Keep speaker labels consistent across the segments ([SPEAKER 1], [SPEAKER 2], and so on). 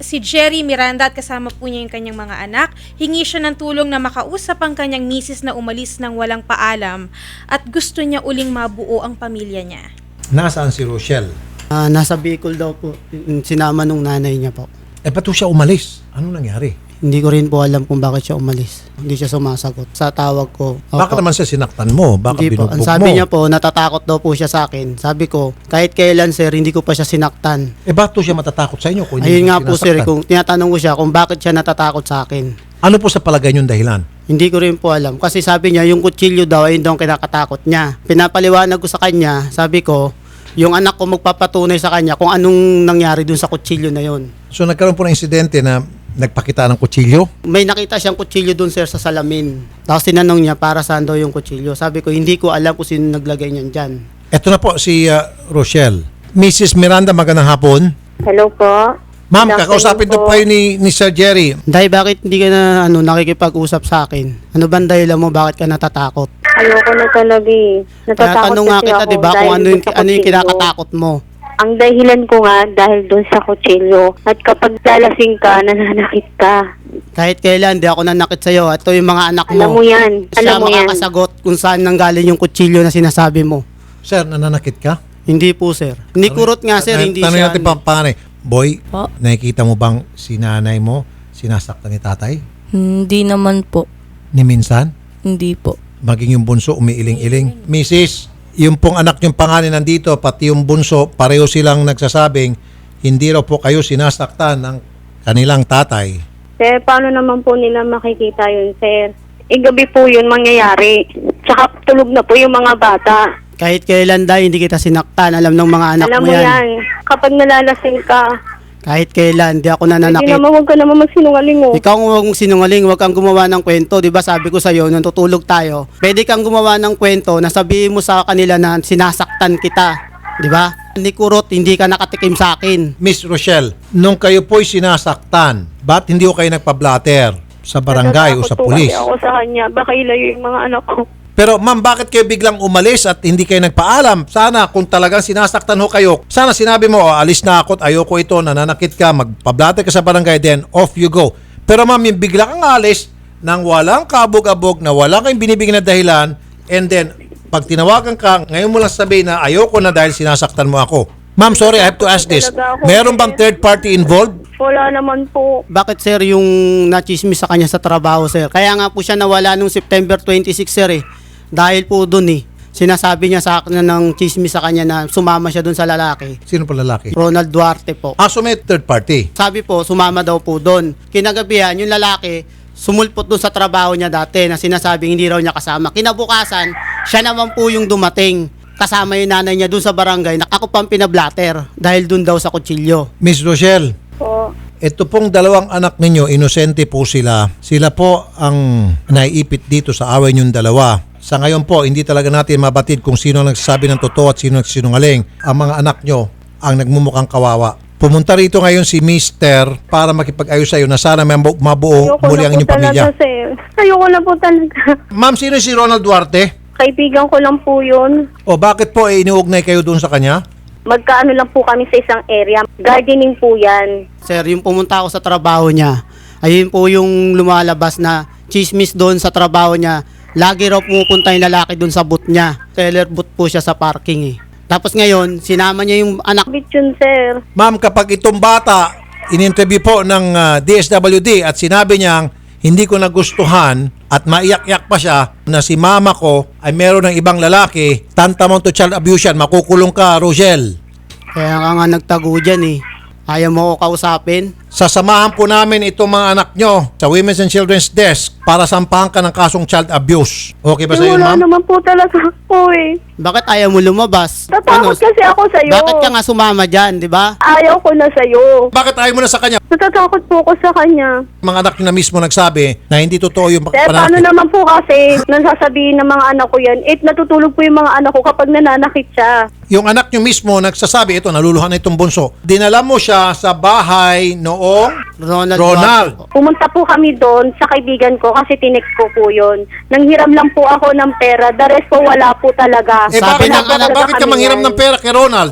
[SPEAKER 1] si Jerry Miranda at kasama po niya yung kanyang mga anak. Hingi siya ng tulong na makausap ang kanyang misis na umalis ng walang paalam at gusto niya uling mabuo ang pamilya niya.
[SPEAKER 2] Nasaan si Rochelle?
[SPEAKER 3] Nasa Bicol daw po, sinama nung nanay niya po.
[SPEAKER 2] Ba't siya umalis? Ano nangyari?
[SPEAKER 3] Hindi ko rin po alam kung bakit siya umalis. Hindi siya sumasagot. Sa tawag ko.
[SPEAKER 2] Baka naman siya sinaktan mo? Baka
[SPEAKER 3] Hindi po.
[SPEAKER 2] binugbog
[SPEAKER 3] Ang sabi
[SPEAKER 2] mo?
[SPEAKER 3] niya po, natatakot daw po siya sa akin. Sabi ko, kahit kailan sir, hindi ko pa siya sinaktan.
[SPEAKER 2] Ba't siya matatakot sa inyo? Kung hindi
[SPEAKER 3] Ayun
[SPEAKER 2] mo
[SPEAKER 3] nga po sir,
[SPEAKER 2] sinasaktan?
[SPEAKER 3] kung tinatanong ko siya kung bakit siya natatakot sa akin.
[SPEAKER 2] Ano po sa palagay niyong dahilan?
[SPEAKER 3] Hindi ko rin po alam. Kasi sabi niya, yung kutsilyo daw ay daw ang kinakatakot niya. Pinapaliwanag ko sa kanya, sabi ko, yung anak ko magpapatunay sa kanya kung anong nangyari dun sa kutsilyo na yon.
[SPEAKER 2] So nagkaroon po ng insidente na nagpakita ng kutsilyo?
[SPEAKER 3] May nakita siyang kutsilyo dun sir sa salamin. Tapos tinanong niya para saan daw yung kutsilyo. Sabi ko, hindi ko alam kung sino naglagay niyan dyan.
[SPEAKER 2] Ito na po si Rochelle. Mrs. Miranda, magandang hapon.
[SPEAKER 4] Hello po.
[SPEAKER 2] Ma'am,
[SPEAKER 4] Good
[SPEAKER 2] kakausapin
[SPEAKER 4] afternoon
[SPEAKER 2] to pa ni Sir Jerry.
[SPEAKER 3] Dahil bakit hindi ka na nakikipag-usap sa akin? Ano ba ang dahilan mo? Bakit ka natatakot?
[SPEAKER 4] Ayoko na talaga eh. Natatakot
[SPEAKER 3] Tanong nga
[SPEAKER 4] kasi
[SPEAKER 3] kita,
[SPEAKER 4] ako
[SPEAKER 3] di ba, kung
[SPEAKER 4] dahil
[SPEAKER 3] ano
[SPEAKER 4] dun sa
[SPEAKER 3] yung
[SPEAKER 4] kutsilyo.
[SPEAKER 3] kinakatakot mo.
[SPEAKER 4] Ang dahilan ko nga dahil doon sa kutsilyo. At kapag lalasing ka, nananakit ka.
[SPEAKER 3] Kahit kailan, di ako nanakit sa'yo. Ito yung mga anak mo.
[SPEAKER 4] Alam mo yan.
[SPEAKER 3] Siya
[SPEAKER 4] Alam mo yan.
[SPEAKER 3] makakasagot kung saan nanggaling yung kutsilyo na sinasabi mo.
[SPEAKER 2] Sir, nananakit ka?
[SPEAKER 3] Hindi po, sir. Ni kurot nga, sir, hindi
[SPEAKER 2] Tanong
[SPEAKER 3] siya.
[SPEAKER 2] natin panganay. Boy,
[SPEAKER 5] Po?
[SPEAKER 2] nakikita mo bang si nanay mo sinasaktan ni tatay?
[SPEAKER 5] Hindi naman po.
[SPEAKER 2] Ni minsan?
[SPEAKER 5] Hindi po.
[SPEAKER 2] Maging yung bunso umiiling-iling. Mrs., yung pong anak yung panganay nandito, pati yung bunso, pareho silang nagsasabing hindi raw po kayo sinasaktan ng kanilang tatay.
[SPEAKER 4] Sir, paano naman po nila makikita yun, sir? Gabi po yun mangyayari. Tsaka tulog na po yung mga bata.
[SPEAKER 3] Kahit kailan dahil hindi kita sinaktan, alam ng mga anak
[SPEAKER 4] Alam
[SPEAKER 3] mo
[SPEAKER 4] mo
[SPEAKER 3] yan.
[SPEAKER 4] yan. Kapag nalalasing ka,
[SPEAKER 3] Kahit kailan, hindi ako
[SPEAKER 4] hindi
[SPEAKER 3] nananakit.
[SPEAKER 4] naman, huwag ka naman magsinungaling oh.
[SPEAKER 3] Ikaw huwag mong sinungaling, huwag kang gumawa ng kwento. Di ba sabi ko sa'yo, nung tutulog tayo, pwede kang gumawa ng kwento na sabihin mo sa kanila na sinasaktan kita. Di ba? Ni kurot, hindi ka nakatikim sa akin.
[SPEAKER 2] Miss Rochelle, nung kayo po'y sinasaktan, ba't hindi ko kayo nagpa-blatter sa barangay o sa
[SPEAKER 4] Natatakot po
[SPEAKER 2] pulis?
[SPEAKER 4] kasi ako sa kanya. Baka ilayo yung mga anak ko.
[SPEAKER 2] Pero ma'am, bakit kayo biglang umalis at hindi kayo nagpaalam? Sana kung talagang sinasaktan ho kayo, sana sinabi mo, alis na ako at ayoko ito, nananakit ka, magpa-blatter ka sa barangay, then off you go. Pero ma'am, yung bigla kang alis nang walang kabog-abog, na wala kayong binibigyan na dahilan, and then pag tinawagan ka, ngayon mo lang sabihin na ayoko na dahil sinasaktan mo ako. Ma'am, sorry, I have to ask this. Meron bang third party involved?
[SPEAKER 4] Wala naman po.
[SPEAKER 3] Bakit sir yung nachismis sa kanya sa trabaho sir? Kaya nga po siya nawala nung September 26 sir eh. Dahil po dun eh. Sinasabi niya sa akin ng chismis sa kanya na sumama siya dun sa lalaki.
[SPEAKER 2] Sino pa lalaki?
[SPEAKER 3] Ronald Duarte po.
[SPEAKER 2] So may third party.
[SPEAKER 3] Sabi po, sumama daw po doon. Kinagabihan, yung lalaki, sumulpot doon sa trabaho niya dati na sinasabing hindi raw niya kasama. Kinabukasan, siya naman po yung dumating. Kasama yung nanay niya doon sa barangay na ako pang pinablatter dahil doon daw sa kutsilyo.
[SPEAKER 2] Miss Rochelle,
[SPEAKER 4] Po.
[SPEAKER 2] ito pong dalawang anak ninyo, inosente po sila. Sila po ang naiipit dito sa away niyong dalawa. Sa ngayon po, hindi talaga natin mabatid kung sino ang nagsasabi ng totoo at sino ang sinungaling. Ang mga anak nyo ang nagmumukhang kawawa. Pumunta rito ngayon si Mister para makipag-ayos sa iyo na sana may mabuo
[SPEAKER 4] Ayoko
[SPEAKER 2] muli
[SPEAKER 4] na
[SPEAKER 2] ang
[SPEAKER 4] po
[SPEAKER 2] inyong pamilya.
[SPEAKER 4] talaga, sir. Ayoko na po talaga.
[SPEAKER 2] Ma'am, sino si Ronald Duarte?
[SPEAKER 4] Kaibigan ko lang po yun.
[SPEAKER 2] O bakit po iniugnay kayo doon sa kanya?
[SPEAKER 4] Magkaano lang po kami sa isang area. Gardening po yan.
[SPEAKER 3] Sir, yung pumunta ako sa trabaho niya, ayun po yung lumalabas na chismis doon sa trabaho niya. Lagi raw pumupunta yung lalaki doon sa booth niya. Teller booth po siya sa parking eh. Tapos ngayon, sinama niya yung anak.
[SPEAKER 4] Bit yun, sir.
[SPEAKER 2] Ma'am, kapag itong bata in-interview po ng DSWD at sinabi niyang hindi ko nagustuhan at maiyak-iyak pa siya na si mama ko ay meron ng ibang lalaki, tantamount to child abuse yan, makukulong ka, Rochelle.
[SPEAKER 3] Kaya ka nga nagtago dyan eh. Ayaw mo ko kausapin.
[SPEAKER 2] Sasamahan po namin itong mga anak nyo sa Women's and Children's Desk para sampahan ka ng kasong child abuse. Okay ba sa iyo,
[SPEAKER 4] Wala
[SPEAKER 2] ma'am?
[SPEAKER 4] naman po talaga po eh.
[SPEAKER 3] Bakit ayaw mo lumabas?
[SPEAKER 4] Tatakot kasi ako sa'yo.
[SPEAKER 3] Bakit ka nga sumama dyan, di ba?
[SPEAKER 4] Ayaw ko na sa'yo.
[SPEAKER 2] Bakit ayaw mo na sa kanya?
[SPEAKER 4] Natatakot po ako sa kanya.
[SPEAKER 2] Mga anak nyo na mismo nagsabi na hindi totoo yung
[SPEAKER 4] Sir, paano
[SPEAKER 2] pananakit.
[SPEAKER 4] naman po kasi nasasabihin ng mga anak ko yan, natutulog po yung mga anak ko kapag nananakit siya.
[SPEAKER 2] Yung anak nyo mismo nagsasabi, ito, naluluhan na itong bunso. Dinala mo siya sa bahay noong
[SPEAKER 3] Ronald.
[SPEAKER 2] Ronald.
[SPEAKER 3] Duarte po.
[SPEAKER 4] Pumunta po kami doon sa kaibigan ko kasi tinext ko po yun. Nanghiram lang po ako ng pera, the rest po wala po talaga.
[SPEAKER 2] Eh
[SPEAKER 3] Sabi
[SPEAKER 2] bakit,
[SPEAKER 3] ng
[SPEAKER 2] bakit ka manghiram ng pera kay Ronald?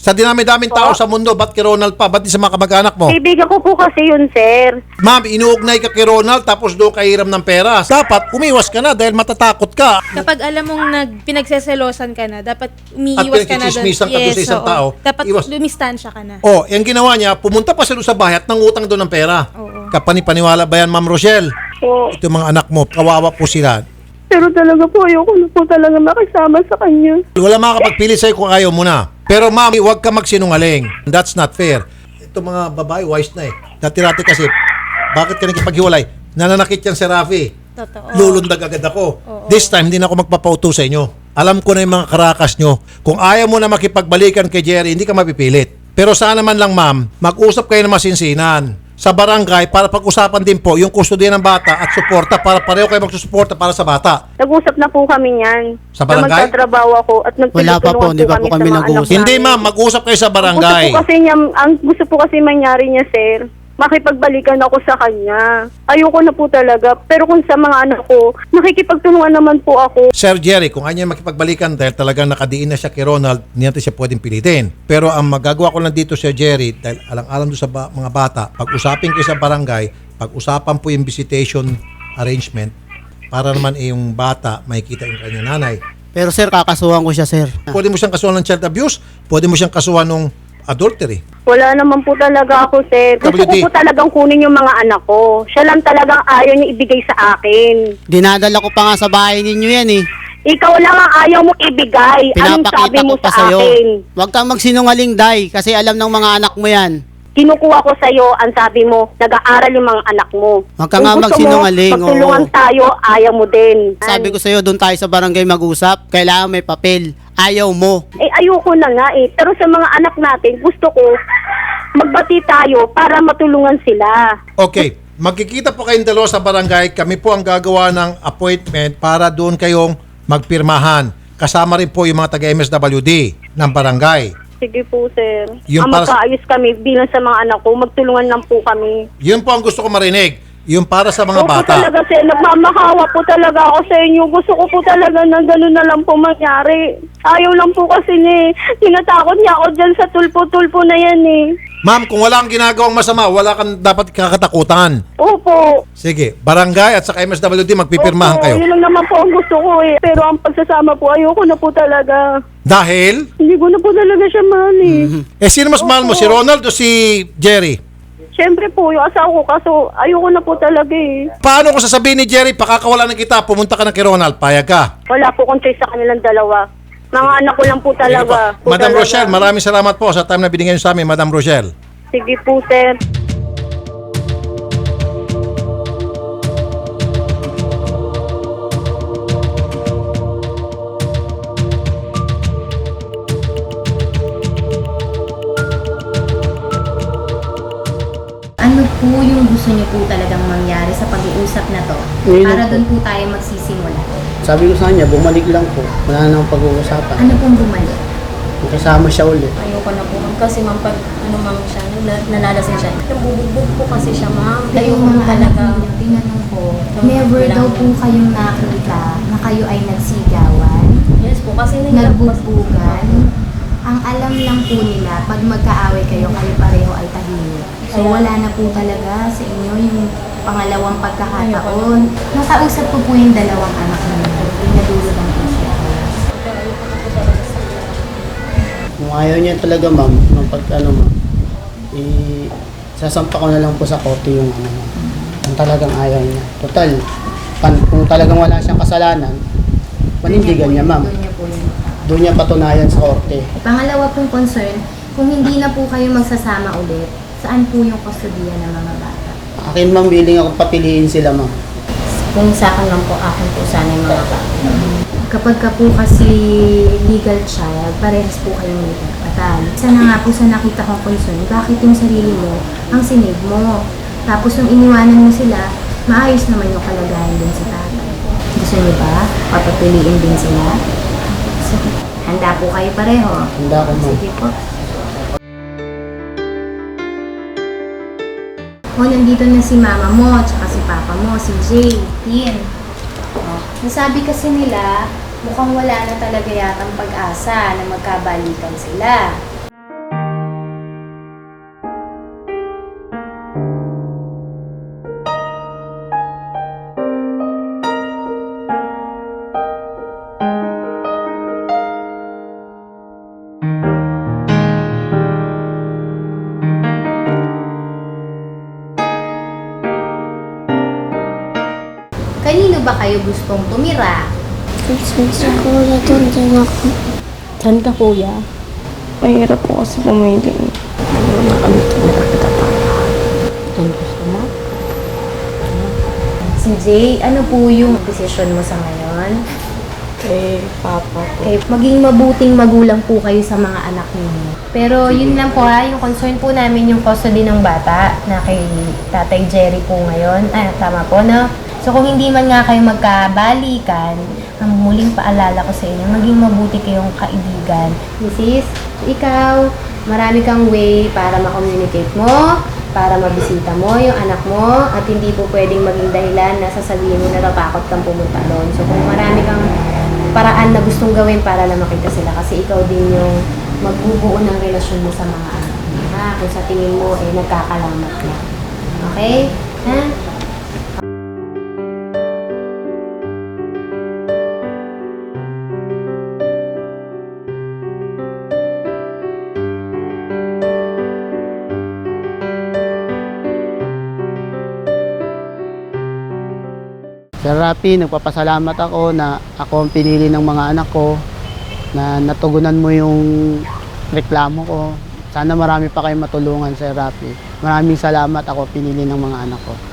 [SPEAKER 2] Sa dinami-daming tao sa mundo, ba't kay Ronald pa? Ba't di sa mga kamag-anak mo?
[SPEAKER 4] Kaibigan ko po kasi yun, sir.
[SPEAKER 2] Ma'am, inuugnay ka kay Ronald tapos doon ka hiram ng pera. Dapat umiwas ka na dahil matatakot ka.
[SPEAKER 1] Kapag alam mong pinagseselosan ka na, dapat
[SPEAKER 2] At
[SPEAKER 1] umiiwas ka na doon.
[SPEAKER 2] pinagchichismisan ka doon sa isang
[SPEAKER 1] oo.
[SPEAKER 2] tao,
[SPEAKER 1] Dapat
[SPEAKER 2] iwas.
[SPEAKER 1] lumistansya ka na.
[SPEAKER 2] Oh, yung ginawa niya, pumunta pa siya doon sa bahay at nangutang doon ng pera.
[SPEAKER 1] Oo.
[SPEAKER 2] Kapani-paniwala ba yan, Ma'am Rochelle?
[SPEAKER 4] Po.
[SPEAKER 2] Ito yung mga anak mo, kawawa po sila.
[SPEAKER 4] Pero talaga po, ayoko na po talaga makisama sa kanya.
[SPEAKER 2] Wala makakapagpili sa'yo kung ayaw mo na. Pero ma'am, huwag ka magsinungaling. That's not fair. Ito mga babae, wise na eh. Dati-dati kasi, bakit ka nakipaghiwalay? Nananakit yan si Rafi.
[SPEAKER 1] Totoo.
[SPEAKER 2] Lulundag agad ako. This time, hindi na ako magpapauto sa inyo. Alam ko na yung mga karakas nyo. Kung ayaw mo na makipagbalikan kay Jerry, hindi ka mapipilit. Pero sana man lang ma'am, mag-usap kayo ng masinsinan sa barangay para pag-usapan din po yung kustodiya ng bata at suporta para pareho kayo magsusuporta para sa bata.
[SPEAKER 4] Nag-usap na po kami niyan.
[SPEAKER 2] Sa barangay?
[SPEAKER 4] Na magtatrabaho ako at
[SPEAKER 3] Wala pa po,
[SPEAKER 4] nagtutulungan
[SPEAKER 3] hindi pa po kami
[SPEAKER 4] sa mga anak
[SPEAKER 3] nag-uusap.
[SPEAKER 2] Hindi
[SPEAKER 4] namin.
[SPEAKER 2] ma'am, mag-usap kayo sa barangay.
[SPEAKER 4] Gusto po kasi mangyari niya, sir, makipagbalikan ako sa kanya. Ayoko na po talaga. Pero kung sa mga anak ko, nakikipagtulungan naman po ako.
[SPEAKER 2] Sir Jerry, kung kanya makipagbalikan dahil talagang nakadiin na siya kay Ronald, hindi natin siya pwedeng pilitin. Pero ang magagawa ko lang dito, Sir Jerry, dahil alang-alang doon sa mga bata, pag-usapin kayo sa barangay, pag-usapan po yung visitation arrangement para naman yung bata makikita yung kanyang nanay.
[SPEAKER 3] Pero sir, kakasuhan ko siya, sir.
[SPEAKER 2] Pwede mo siyang kasuhan ng child abuse, pwede mo siyang kasuhan ng adultery.
[SPEAKER 4] Wala naman po talaga ako, sir. Gusto
[SPEAKER 2] WD.
[SPEAKER 4] ko po talagang kunin yung mga anak ko. Siya lang talagang ayaw niya ibigay sa akin.
[SPEAKER 3] Dinadala ko pa nga sa bahay ninyo yan eh.
[SPEAKER 4] Ikaw lang ang ayaw mong ibigay. Anong sabi
[SPEAKER 3] Pinapakita
[SPEAKER 4] mo
[SPEAKER 3] ko pa
[SPEAKER 4] sa
[SPEAKER 3] sa'yo.
[SPEAKER 4] akin?
[SPEAKER 3] Huwag kang magsinungaling, Day, kasi alam ng mga anak mo yan.
[SPEAKER 4] Kinukuha ko sa'yo, ang sabi mo, nag-aaral yung mga anak mo.
[SPEAKER 3] Huwag ka nga
[SPEAKER 4] Kung gusto
[SPEAKER 3] magsinungaling,
[SPEAKER 4] mo, magtulungan
[SPEAKER 3] oo.
[SPEAKER 4] tayo, ayaw mo din.
[SPEAKER 3] Sabi ko sa'yo, doon tayo sa barangay mag-usap. Kailangan may papel. Ayaw mo.
[SPEAKER 4] Eh, ayoko na nga eh. Pero sa mga anak natin, gusto ko magbati tayo para matulungan sila.
[SPEAKER 2] Okay, magkikita po kayong dalawa sa barangay. Kami po ang gagawa ng appointment para doon kayong magpirmahan. Kasama rin po yung mga taga-MSWD ng barangay.
[SPEAKER 4] Sige po, sir.
[SPEAKER 2] Yung
[SPEAKER 4] Ang
[SPEAKER 2] para-
[SPEAKER 4] magkaayos kami bilang sa mga anak ko, magtulungan lang po kami.
[SPEAKER 2] Yun po ang gusto ko marinig. Yung para sa mga
[SPEAKER 4] Opo
[SPEAKER 2] bata.
[SPEAKER 4] talaga, sir. Nagmamakawa po talaga ako sa inyo. Gusto ko po talaga na gano'n na lang po mangyari. Ayaw lang po kasi niya eh. Tinatakot niya ako dyan sa tulpo-tulpo na yan eh.
[SPEAKER 2] Ma'am, kung wala kang ginagawang masama, wala kang dapat kakatakutan.
[SPEAKER 4] Opo.
[SPEAKER 2] Sige, barangay at saka MSWD, magpipirmahan
[SPEAKER 4] Opo,
[SPEAKER 2] kayo.
[SPEAKER 4] yun lang naman po ang gusto ko eh. Pero ang pagsasama po, ayoko na po talaga.
[SPEAKER 2] Dahil,
[SPEAKER 4] Hindi ko na po talaga siya mahal eh.
[SPEAKER 2] sino mas mahal mo, si Ronald o si Jerry?
[SPEAKER 4] Siyempre po, yung asawa ko, kaso ayoko na po talaga eh.
[SPEAKER 2] Paano kung sasabihin ni Jerry, pakakawalan na kita, pumunta ka na kay Ronald, payag ka?
[SPEAKER 4] Wala po kong choice sa kanilang dalawa. Mga anak ko lang po talaga. Po
[SPEAKER 2] Madam
[SPEAKER 4] talaga.
[SPEAKER 2] Rochelle, maraming salamat po sa time na binigyan niyo sa amin, Madam Rochelle.
[SPEAKER 4] Sige po, sir.
[SPEAKER 6] Ano po yung gusto niyo po talagang mangyari sa pag-iusap na to?
[SPEAKER 3] Ngayon
[SPEAKER 6] Para
[SPEAKER 3] po.
[SPEAKER 6] doon po tayo magsisimula.
[SPEAKER 3] Sabi ko sa kanya, bumalik lang po. Wala na akong pag-uusapan.
[SPEAKER 6] Ano pong bumalik?
[SPEAKER 3] Kasama siya ulit.
[SPEAKER 7] Ayoko na po ma'am kasi ma'am pag ano ma'am siya, nalalasing siya. Nabubugbog po kasi siya ma'am.
[SPEAKER 6] Yung mga anak ninyo, tinanong ko, never daw po kayong nakita na kayo ay nagsigawan,
[SPEAKER 7] Yes po kasi nila po
[SPEAKER 6] nagbugbugan. Ang alam lang po nila, pag magkaaway kayo, kayo pareho ay tahimik. So wala na po talaga sa inyo yung pangalawang pagkakataon. Nakausap ko po yung dalawang anak ninyo. Pinadulutan po siya.
[SPEAKER 3] Kung ayaw niya talaga, ma'am, ma'am, sasampa ko na lang po sa korte yung ano, ma'am. Kung talagang ayaw niya. Total, kung talagang wala siyang kasalanan, panindigan niya, ma'am.
[SPEAKER 6] Doon niya po yun.
[SPEAKER 3] Doon niya patunayan sa korte.
[SPEAKER 6] Pangalawa pong concern, kung hindi na po kayo magsasama ulit, saan po yung kustodiya ng mga bata?
[SPEAKER 3] Akin, ma'am, willing ako papiliin sila, ma'am.
[SPEAKER 7] Kung sa akin lang po, akin po sana yung mga bata.
[SPEAKER 6] Kapag ka po kasi legal child, parehas po kayong may karapatan. Isa na nga po sa nakita kong concern, bakit yung sarili mo ang sinave mo? Tapos nung iniwanan mo sila, maayos naman yung kalagayan din sa tatay. Gusto niyo ba? Papapiliin din sila? Sige. Handa po kayo pareho?
[SPEAKER 3] Handa ako, ma'am.
[SPEAKER 6] Sige po. O, nandito na si mama mo, tsaka si papa mo, si Jay, Tin. O, nasabi kasi nila, mukhang wala na talaga yatang pag-asa na magkabalikan sila. ba kayo gustong tumira?
[SPEAKER 8] Sa kuya doon din ako.
[SPEAKER 5] Saan ka, kuya?
[SPEAKER 8] Mahirap po kasi pumili.
[SPEAKER 6] Si Jay, ano po yung desisyon mo sa ngayon?
[SPEAKER 5] Papa po.
[SPEAKER 6] Maging mabuting magulang po kayo sa mga anak ninyo. Pero yun lang po yung concern po namin yung custody ng bata na kay Tatay Jerry po ngayon. Tama po, no? So kung hindi man nga kayo magkabalikan, ang muling paalala ko sa inyo, maging mabuti kayong kaibigan. Mrs., ikaw, marami kang way para ma-communicate mo, para mabisita mo yung anak mo, at hindi po pwedeng maging dahilan na sasabihin mo na natakot kang pumunta doon. So kung marami kang paraan na gustong gawin para lang makita sila, kasi ikaw din yung magbubuo ng relasyon mo sa mga anak mo. Kung sa tingin mo, nagkakalamat na. Okay? Ha?
[SPEAKER 3] Sir Rafi, nagpapasalamat ako na ako ang pinili ng mga anak ko, na natugunan mo yung reklamo ko. Sana marami pa kayong matulungan, Sir Rafi. Maraming salamat, ako pinili ng mga anak ko.